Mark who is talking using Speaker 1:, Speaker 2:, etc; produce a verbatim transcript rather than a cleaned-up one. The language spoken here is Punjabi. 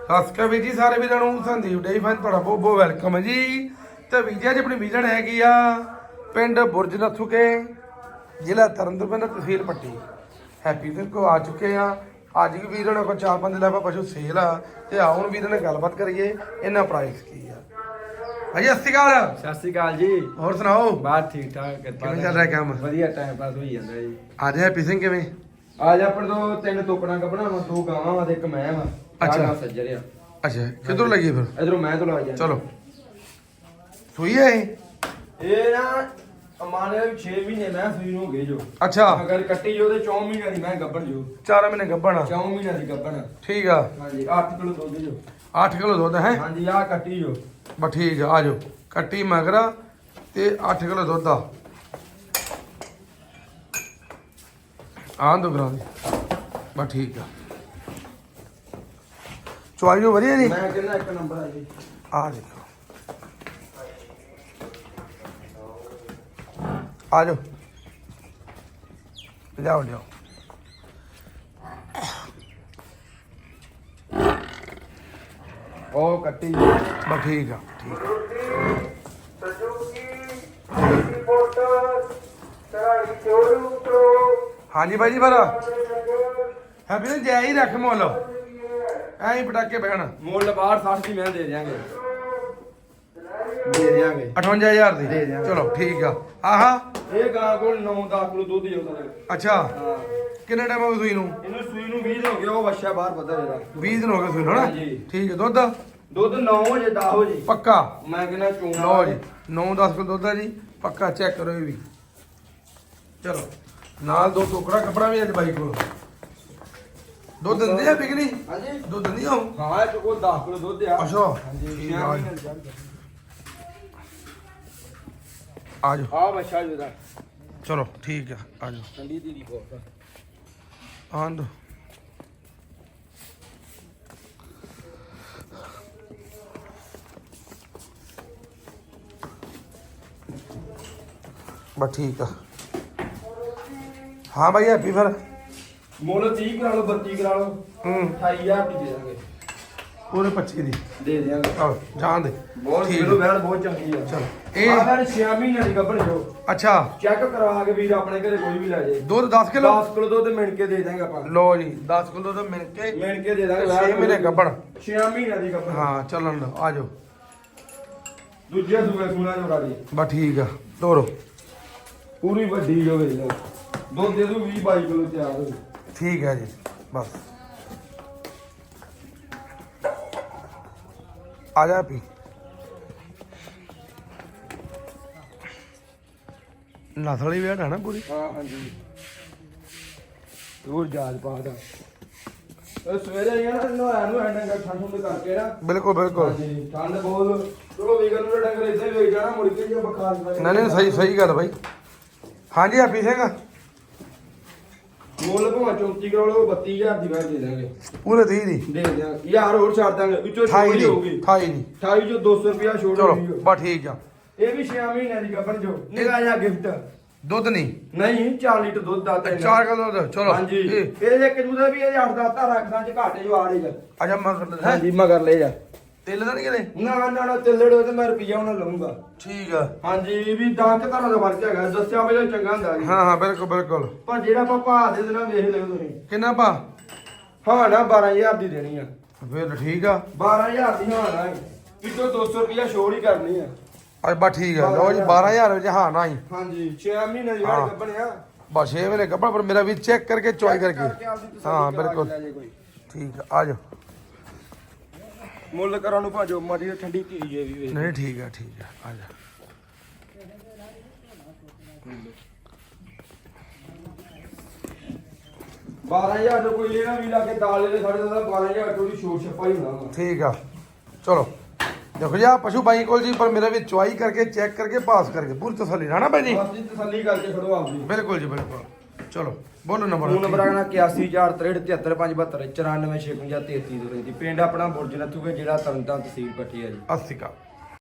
Speaker 1: ਸਤਿ ਸ਼੍ਰੀ ਅਕਾਲ ਵੀਰ ਜੀ ਸਾਰੇ ਵੀਰਾਂ ਨੂੰ। ਸੰਦੀਪ ਡੇਰੀ ਫਾਰਮ ਤੁਹਾਡਾ ਬਹੁਤ ਬਹੁਤ ਵੈਲਕਮ ਹੈ ਜੀ। ਤੇ ਵੀਰ ਜੀ ਅੱਜ ਆਪਣੀ ਵਿਜ਼ਨ ਹੈਗੀ ਆ ਪਿੰਡ ਬੁਰਜ ਨੱਥੂਕੇ, ਜ਼ਿਲ੍ਹਾ ਤਰਨਤਾਰਨ, ਤਹਿਸੀਲ ਪੱਟੀ। ਹੈਪੀ ਸਿੰਘ ਕੋ ਆ ਚੁੱਕੇ ਆ। ਅੱਜ ਵੀ ਵੀਰਾਂ ਕੋਲ ਚਾਰ ਪੰਜ ਲੈਵਾ ਪਸ਼ੂ ਸੇਲ ਆ ਤੇ ਆਓ ਹੁਣ ਵੀਰਾਂ ਨਾਲ ਗੱਲਬਾਤ ਕਰੀਏ ਇਹਨਾਂ ਪ੍ਰਾਈਸ ਕੀ ਆ। ਭਾਜੀ ਸਤਿ ਸ਼੍ਰੀ ਅਕਾਲ।
Speaker 2: ਸਤਿ ਸ਼੍ਰੀ ਅਕਾਲ ਜੀ।
Speaker 1: ਹੋਰ ਸੁਣਾਓ?
Speaker 2: ਬਾਤ ਠੀਕ ਠਾਕ,
Speaker 1: ਕਿਵੇਂ ਚੱਲ ਰਿਹਾ ਕੰਮ?
Speaker 2: ਵਧੀਆ ਟਾਈਮ ਪਾਸ ਹੋਈ ਜਾਂਦਾ ਜੀ।
Speaker 1: ਅੱਜ ਹੈਪੀ ਸਿੰਘ ਕਿਵੇਂ?
Speaker 2: ਅੱਜ ਆਪਣੇ ਤੋਂ ਤਿੰਨ ਟੋਕਣਾ ਕੱਢਣਾ ਵਾ, ਦੋ ਗਾਵਾਂ ਵਾ ਤੇ ਇੱਕ ਮੈਂ ਵਾ।
Speaker 1: ਅੱਛਾ।
Speaker 2: ਸੱਜਰ ਆ।
Speaker 1: ਅੱਛਾ ਕਿੱਧਰੋਂ ਲੱਗੀ ਫਿਰ?
Speaker 2: ਇਧਰੋਂ ਮੈਂ ਤੋਂ ਲਾ ਜਾ।
Speaker 1: ਚਲੋ ਸੂਈ ਹੈ ਇਹ?
Speaker 2: ਇਹ ਨਾ ਅਮਾਨੇ ਦੇ ਛੇ ਮਹੀਨੇ ਮੈਂ ਸੂਈ ਨੂੰ ਹੋ ਗਏ ਜੋ।
Speaker 1: ਅੱਛਾ।
Speaker 2: ਅਗਰ ਕੱਟੀ ਜੋ ਤੇ ਚੌਂ ਮਹੀਨਿਆਂ ਦੀ ਮੈਂ ਗੱਭਣ ਜੋ।
Speaker 1: ਚਾਰ ਮਹੀਨੇ ਗੱਭਣ?
Speaker 2: ਚੌਂ ਮਹੀਨਿਆਂ ਦੀ ਗੱਭਣ।
Speaker 1: ਠੀਕ ਆ।
Speaker 2: ਹਾਂਜੀ ਅੱਠ ਕਿਲੋ ਦੁੱਧ ਜੋ।
Speaker 1: ਅੱਠ ਕਿਲੋ ਦੁੱਧ ਹੈ?
Speaker 2: ਹਾਂਜੀ ਆ ਕੱਟੀ ਜੋ।
Speaker 1: ਬਸ ਠੀਕ ਆ, ਆ ਜਾਓ। ਕੱਟੀ ਮਗਰਾ ਤੇ ਅੱਠ ਕਿਲੋ ਦੁੱਧ ਆ। ਆਂ ਦੋ ਗ੍ਰਾਮ ਦੀ। ਬਸ ਠੀਕ ਆ। ਚੁਆਈ ਜੋ ਵਧੀਆ ਜੀ।
Speaker 2: ਮੈਂ ਕਹਿੰਦਾ ਇੱਕ ਨੰਬਰ ਆ ਜੀ।
Speaker 1: ਆ ਦੇਖੋ, ਆ ਜਾਓ, ਲਿਆਓ ਲਿਆਓ।
Speaker 2: ਉਹ ਕੱਟੀ ਜੋ।
Speaker 1: ਬਸ ਠੀਕ ਆ, ਠੀਕ ਆ। ਹਾਂਜੀ ਭਾਈ ਜੀ ਫਿਰ ਹੈਪੀ ਨੇ ਜੈ ਹੀ ਰੱਖ ਮੁੱਲ ਐਂ ਹੀ ਪਟਾਕੇ ਬਹਿਣ।
Speaker 2: ਮੁੱਲ ਬਾਹਰ ਸੱਠ ਦੀ ਮੈਂ ਦੇ ਦਿਆਂਗੇ। ਦੇ ਦਿਆਂਗੇ
Speaker 1: ਅਠਵੰਜਾ ਹਜ਼ਾਰ ਦੀ।
Speaker 2: ਦੇ ਦਿਆਂਗੇ।
Speaker 1: ਚਲੋ ਠੀਕ ਆ। ਆਹਾ
Speaker 2: ਇਹ ਗਾਂ ਕੋਲ ਨੌ ਦਸ ਕਿਲੋ ਦੁੱਧ ਜੋ ਉਹਦਾ।
Speaker 1: ਅੱਛਾ।
Speaker 2: ਹਾਂ
Speaker 1: ਕਿੰਨੇ ਟਾਈਮ ਹੋ ਗਿਆ ਸੂਈ ਨੂੰ?
Speaker 2: ਇਹਨੂੰ ਸੂਈ ਨੂੰ ਵੀਹ ਦਿਨ ਹੋ ਗਏ। ਉਹ ਵੱਛਾ ਬਾਹਰ ਪਤਾ ਇਹਦਾ
Speaker 1: ਵੀਹ ਦਿਨ ਹੋ ਗਏ ਸੂਈ ਨੂੰ ਹਨਾ?
Speaker 2: ਹਾਂਜੀ।
Speaker 1: ਠੀਕ ਹੈ। ਦੁੱਧ
Speaker 2: ਦੁੱਧ ਨੌ ਵਜੇ ਦਸ ਵਜੇ
Speaker 1: ਪੱਕਾ?
Speaker 2: ਮੈਂ ਕਹਿੰਦਾ ਚੂਨਾ
Speaker 1: ਲਓ ਜੀ, ਨੌ ਦਸ ਕਿਲੋ ਦੁੱਧ ਹੈ ਜੀ ਪੱਕਾ। ਚੈੱਕ ਕਰੋ ਇਹ ਵੀ। ਚਲੋ ਨਾਲ ਦੋ ਟੋਕਰਾ ਕੱਪੜਾ ਵੀ ਅੱਜ ਬਾਈ ਕੋਲ। ਦੁੱਧ ਦਿੰਦੇ ਆ ਬਿਕਨੀ?
Speaker 2: ਹਾਂਜੀ
Speaker 1: ਦੁੱਧ ਦਿੰਦੀ ਆ?
Speaker 2: ਹਾਂ ਇਹ ਕੋਲ ਦਸ ਕਿਲੋ ਦੁੱਧ ਆ।
Speaker 1: ਅੱਛਾ
Speaker 2: ਹਾਂਜੀ
Speaker 1: ਠੀਕ ਆ ਜੀ। ਆ ਜਾਓ।
Speaker 2: ਆ ਵੱਛਾ ਜੋ ਦਾ
Speaker 1: ਚਲੋ ਠੀਕ ਆ, ਆ ਜਾਓ।
Speaker 2: ਠੰਡੀ ਦੀ ਦੀ ਬਹੁਤ
Speaker 1: ਆਂ ਦੋ। ਬਸ ਠੀਕ ਆ। ਹਾਂ ਭਾਈ ਹੈਪੀ ਫਿਰ
Speaker 2: ਮੁੱਲ ਤੀਹ ਕਰਾ ਲਓ, ਬੱਤੀ ਕਰਾ ਲਓ,
Speaker 1: ਹੂੰ
Speaker 2: ਅਠਾਈ ਹਜ਼ਾਰ ਦੀ ਦੇ ਦਾਂਗੇ।
Speaker 1: ਪੂਰੇ ਪੱਚੀ ਦੀ
Speaker 2: ਦੇ ਦਿਆਂਗੇ।
Speaker 1: ਆਹ ਜਾਣ ਦੇ।
Speaker 2: ਬਹੁਤ
Speaker 1: ਠੀਕ
Speaker 2: ਕਿਲੋ
Speaker 1: ਆ।
Speaker 2: ਬੈਠ ਬਹੁਤ ਚੰਗੀ ਆ।
Speaker 1: ਚਲੋ
Speaker 2: ਇਹ
Speaker 1: ਇਹ
Speaker 2: ਫਿਰ ਛੇ ਮਹੀਨਿਆਂ ਦੀ ਗੱਭਣ ਜੋ।
Speaker 1: ਅੱਛਾ।
Speaker 2: ਚੈੱਕ ਕਰਵਾ ਕੇ ਵੀਰ ਆਪਣੇ ਘਰੇ ਕੋਈ ਵੀ ਲੈ ਜਾਏ।
Speaker 1: ਦੁੱਧ ਦਸ ਕਿਲੋ?
Speaker 2: ਦਸ ਕਿਲੋ ਦੁੱਧ ਮਿਣ ਕੇ ਦੇ ਦਾਂਗੇ ਆਪਾਂ।
Speaker 1: ਲੋ ਜੀ ਦਸ ਕਿਲੋ ਤਾਂ ਮਿਲ ਕੇ
Speaker 2: ਮਿਣ ਕੇ ਦੇ ਦਾਂਗੇ।
Speaker 1: ਛੇ ਮਹੀਨੇ ਗੱਭਣ।
Speaker 2: ਛੇ ਮਹੀਨਿਆਂ ਦੀ ਗੱਭਣ।
Speaker 1: ਹਾਂ ਚੱਲਣ ਦੋ। ਆ ਜਾਓ।
Speaker 2: ਦੂਜੇ ਸੂਏ ਸੂਣਾ ਜੋੜਾ ਦੀ
Speaker 1: ਬਸ ਠੀਕ ਆ। ਤੋਰੋ।
Speaker 2: ਪੂਰੀ ਵੱਡੀ ਜੋ ਵੇਖ ਲਓ। ਦੁੱਧ ਦੇ ਦੂ ਵੀਹ ਬਾਈ ਕਿਲੋ ਤਿਆਰ ਹੋ।
Speaker 1: ਠੀਕ ਹੈ ਜੀ। ਬਸ ਆ ਜਾ ਪੀ। ਨਸਲੀ ਵੇਟ ਹੈ ਨਾ ਪੂਰੀ?
Speaker 2: ਹਾਂ ਹਾਂਜੀ ਹੋਰ ਜਾਜ ਪਾਦਾ। ਇਹ ਸਵੇਰੇ ਯਾਰ ਨਹਾਇਆ ਨੂੰ ਐਂਡਾਂ ਠੰਡ ਠੰਡ ਕਰਕੇ ਨਾ।
Speaker 1: ਬਿਲਕੁਲ ਬਿਲਕੁਲ।
Speaker 2: ਹਾਂਜੀ ਠੰਡ ਬਹੁਤ। ਚਲੋ ਵੀਗਨ ਨੂੰ ਡੰਗਰ ਇੱਥੇ ਵੇਚ ਜਾਣਾ ਮੁੜ ਕੇ ਜੇ ਬੁਖਾਰ
Speaker 1: ਨਹੀਂ ਨਹੀਂ ਸਹੀ ਸਹੀ ਗੱਲ ਬਾਈ। ਹਾਂਜੀ ਹੈਪੀ ਸਿੰਘ
Speaker 2: ਮੁੱਲ ਭਾਵੇਂ ਚੌਂਤੀ ਕਰੋ ਲਓ, ਬੱਤੀ ਹਜ਼ਾਰ ਦੀ ਮੈਂ ਦੇ ਦਾਂਗੇ।
Speaker 1: ਪੂਰੇ ਤੀਹ ਦੀ?
Speaker 2: ਦੇ ਦਿਆਂਗੇ ਯਾਰ ਹੋਰ ਛੱਡ ਦਾਂਗੇ। ਵਿੱਚੋਂ
Speaker 1: ਅਠਾਈ
Speaker 2: ਛੋੜ
Speaker 1: ਦੀ
Speaker 2: ਹੋਊਗੀ।
Speaker 1: ਅਠਾਈ ਦੀ।
Speaker 2: ਅਠਾਈ ਜੋ ਦੋ ਸੌ ਰੁਪਿਆ ਛੋੜ
Speaker 1: ਚਲੋ
Speaker 2: ਹੋਊਗੀ।
Speaker 1: ਬਸ ਠੀਕ ਆ।
Speaker 2: ਇਹ ਵੀ ਛੇ ਮਹੀਨਿਆਂ ਦੀ ਗੱਭਣ ਜੋ। ਨਿਕਾ ਜਾ ਗਿਫਟ
Speaker 1: ਦੁੱਧ ਨਹੀਂ?
Speaker 2: ਨਹੀਂ ਚਾਰ ਲੀਟਰ ਦੁੱਧ ਦਾ ਤੇ
Speaker 1: ਚਾਰ ਕਿਲੋ ਦੁੱਧ। ਚਲੋ
Speaker 2: ਹਾਂਜੀ
Speaker 1: ਇਹ
Speaker 2: ਇਹ ਇੱਕ ਦੂਜਾ ਵੀ ਇਹ ਅੱਠ ਦਸ ਤਾਂ ਰੱਖਦਾਂ ਚ ਘਾਟੇ ਜੋ ਆੜੇ ਜਾ।
Speaker 1: ਅੱਛਾ ਮਗਰ ਹੈ
Speaker 2: ਹਾਂਜੀ ਮਗਰ ਲੈ ਜਾ।
Speaker 1: ਤੇਲ ਤਾਂ ਨਹੀਂ ਕਿਤੇ?
Speaker 2: ਨਾ ਨਾ ਨਾ ਤਿੱਲੜੋ ਤੇ ਮੈਂ ਰੁਪਈਆ ਉਹਨਾਂ ਲਵਾਂਗਾ।
Speaker 1: ਠੀਕ ਆ।
Speaker 2: ਹਾਂਜੀ ਵੀ ਦਸ ਕੁ ਤਰ੍ਹਾਂ ਦਾ ਫਰਕ ਹੈਗਾ। ਦੱਸਿਆ ਪਹਿਲਾਂ ਚੰਗਾ ਹੁੰਦਾ ਜੀ।
Speaker 1: ਹਾਂ ਹਾਂ ਬਿਲਕੁਲ ਬਿਲਕੁਲ।
Speaker 2: ਪਰ ਜਿਹੜਾ ਆਪਾਂ ਭਾਅ ਦੇ ਦੇਣਾ ਵੇਖ ਲਿਓ ਤੁਸੀਂ।
Speaker 1: ਕਿੰਨਾ ਪਾ?
Speaker 2: ਹਾਂ ਨਾ ਬਾਰਾਂ ਹਜ਼ਾਰ ਦੀ ਦੇਣੀ ਆ।
Speaker 1: ਫਿਰ ਠੀਕ ਆ।
Speaker 2: ਬਾਰਾਂ ਹਜ਼ਾਰ ਦੀ ਹਾਂ ਨਾ ਵਿੱਚੋਂ ਦੋ ਸੌ ਰੁਪਈਆ ਛੋੜ ਹੀ ਕਰਨੀ ਆ।
Speaker 1: ਅੱਜ ਬਸ ਠੀਕ ਆ। ਲਓ ਜੀ ਬਾਰਾਂ ਹਜ਼ਾਰ ਵਿੱਚ ਹਾਂ ਨਾ ਹੀ।
Speaker 2: ਹਾਂਜੀ ਛੇ ਮਹੀਨੇ ਦੀ
Speaker 1: ਹਾਂ।
Speaker 2: ਵਾਰ ਗੱਭਣਿਆ।
Speaker 1: ਬਸ ਛੇ ਵੇਲੇ ਕੱਪੜਾ ਪਰ ਮੇਰਾ ਵੀ ਚੈੱਕ ਕਰਕੇ ਚੁਆਈ ਕਰਕੇ। ਹਾਂ ਬਿਲਕੁਲ ਠੀਕ ਆ। ਆ ਜਾਓ।
Speaker 2: ਮੁੱਲ ਕਰਾਂ ਨੂੰ ਭਾਜੋ ਮਾੜੀ ਠੰਡੀ ਧੀ ਜੇ ਵੀ ਵੇਖ।
Speaker 1: ਨਹੀਂ ਠੀਕ ਆ ਠੀਕ ਆ। ਆ ਜਾ।
Speaker 2: ਬਾਰਾਂ ਹਜ਼ਾਰ ਦਾ ਕੋਈ ਲੈਣਾ ਵੀ ਲਾ ਕੇ ਦਾਲ ਦੇ ਸਾਡੇ ਦਾ ਬਾਰਾਂ ਹਜ਼ਾਰ ਥੋੜੀ ਛੋਟ ਛਪਾਈ ਹੋਣਾ।
Speaker 1: ਠੀਕ ਆ। ਚਲੋ ਦੇਖੋ ਜੀ ਆ ਪਸ਼ੂ ਬਾਈ ਕੋਲ ਜੀ ਪਰ ਮੇਰਾ ਵੀ ਚੁਆਈ ਕਰਕੇ ਚੈੱਕ ਕਰਕੇ ਪਾਸ ਕਰਕੇ ਪੂਰੀ ਤਸੱਲੀ ਨਾ ਭਾਈ ਜੀ।
Speaker 2: ਬਸ ਜੀ ਤਸੱਲੀ ਕਰਕੇ ਖੜੋ ਆਪਦੀ।
Speaker 1: ਬਿਲਕੁਲ ਜੀ ਬਿਲਕੁਲ। ਚਲੋ ਬੋਲੋ ਨੰਬਰ।
Speaker 2: ਫੋਨ ਨੰਬਰ ਆਣਾ ਇਕਿਆਸੀ ਚਾਰ ਤਰੇਹਠ ਤਿਹੱਤਰ ਪੰਜ ਬਹੱਤਰ ਚੁਰਾਨਵੇਂ ਛੇ ਪੰਜਾਹ ਤੇਤੀ ਦੋ ਰਹਿੰਦੀ। ਪਿੰਡ ਆਪਣਾ ਬੁਰਜ ਨੱਥੂਗੇ, ਜਿਹੜਾ ਤਰਨਤਾਰਨ ਤਹਿਸੀਲ ਪੱਟੀ ਹੈ ਜੀ।
Speaker 1: ਅੱਸੀ ਕਾ